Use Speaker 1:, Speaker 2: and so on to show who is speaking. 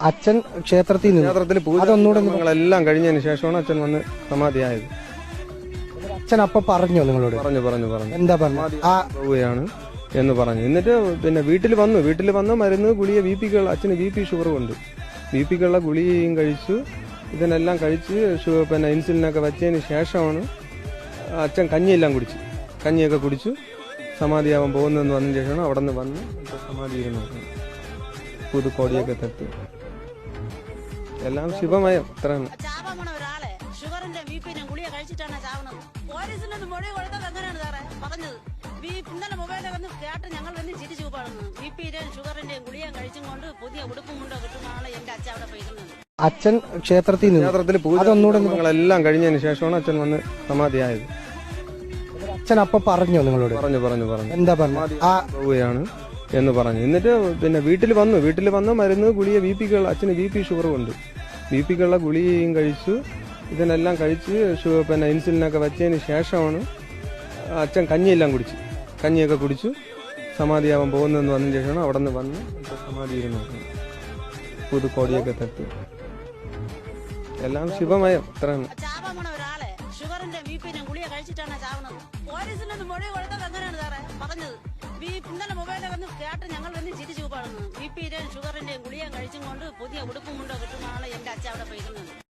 Speaker 1: അച്ഛൻ ക്ഷേത്രത്തിൽ
Speaker 2: പൂജകളെല്ലാം കഴിഞ്ഞതിന് ശേഷമാണ് അച്ഛൻ വന്ന് സമാധിയായത്.
Speaker 1: അച്ഛൻ അപ്പൊ പറഞ്ഞോ നിങ്ങളോട്?
Speaker 2: പറഞ്ഞു
Speaker 1: എന്താ പറഞ്ഞു?
Speaker 2: പോവുകയാണ് എന്ന് പറഞ്ഞു. എന്നിട്ട് പിന്നെ വീട്ടിൽ വന്ന് മരുന്ന് ഗുളിക അച്ഛന് BP ഷുഗർ ഉണ്ട്. BPക്കുള്ള ഗുളികയും കഴിച്ചു. ഇതിനെല്ലാം കഴിച്ച് പിന്നെ ഇൻസുലിനൊക്കെ വെച്ചതിന് ശേഷമാണ് അച്ഛൻ കഞ്ഞിയൊക്കെ കുടിച്ചു സമാധിയാവാൻ പോകുന്നതെന്ന് വന്നതിന് ശേഷമാണ് അവിടെ നിന്ന് വന്ന് സമാധി ഇരുന്നത്. പുതുക്കോടിയൊക്കെ തട്ടി എല്ലാം ശിവമയം. അത്രയാണ്.
Speaker 3: ഷുഗറിന്റെ ബിപിനും ഗുളിക കഴിച്ചിട്ടാണ് ചാവുന്നത്. പോലീസിനൊന്ന് മൊഴി കൊടുത്തത് എങ്ങനെയാണ് സാറേ പറഞ്ഞത്? ഇന്നലെ മൊബൈലിൽ വന്ന് കേട്ട് ഞങ്ങൾ വന്ന് ചിരിച്ചു പാടുന്നു. BPയുടെയും ഷുഗറിന്റെയും ഗുളിക കഴിച്ചും കൊണ്ട് പുതിയ ഉടുപ്പും കൊണ്ടോ കിട്ടുന്നതാണ് എന്റെ അച്ഛൻ അവിടെ പോയിരുന്നത്.
Speaker 1: അച്ഛൻ ക്ഷേത്രത്തിൽ
Speaker 2: പൂജകളെല്ലാം കഴിഞ്ഞതിന് ശേഷമാണ് അച്ഛൻ വന്ന് സമാധിയായത്.
Speaker 1: അച്ഛൻ അപ്പൊ പറഞ്ഞോ നിങ്ങളോട്?
Speaker 2: പറഞ്ഞു
Speaker 1: എന്താ പറഞ്ഞു?
Speaker 2: പോവുകയാണ് എന്ന് പറഞ്ഞു. എന്നിട്ട് പിന്നെ വീട്ടിൽ വന്ന് മരുന്ന് ഗുളിക അച്ഛന് BP ഷുഗർ ഉണ്ട്. BPക്കുള്ള ഗുളികയും കഴിച്ചു. ഇതിനെല്ലാം കഴിച്ച് പിന്നെ ഇൻസുലിനൊക്കെ വെച്ചതിന് ശേഷമാണ് അച്ഛൻ കഞ്ഞിയൊക്കെ കുടിച്ചു സമാധിയാവാൻ പോകുന്നതെന്ന് വന്നതിന് ശേഷമാണ് അവിടെ നിന്ന് വന്ന് സമാധി ഇരുന്നത്. പുതുക്കോടിയൊക്കെ തട്ടി എല്ലാം ശിവമയം. അത്രയാണ്.
Speaker 3: ഷുഗറിന്റെ ബിപിനും ഗുളിക കഴിച്ചിട്ടാണ് ചാവുന്നത്. പോലീസിനൊന്ന് മൊഴി കൊടുത്തത് എങ്ങനെയാണ് സാറേ പറഞ്ഞത്? ഇന്നലെ മൊബൈലിൽ വന്ന് കേട്ട് ഞങ്ങൾ വന്ന് ചിരിച്ചു പാടുന്നു. BPയുടെയും ഷുഗറിന്റെയും ഗുളിക കഴിച്ചും കൊണ്ട് പുതിയ ഉടുപ്പും കൊണ്ടോ കിട്ടുന്നതാണ് എന്റെ അച്ഛൻ അവിടെ പോയിരുന്നത്.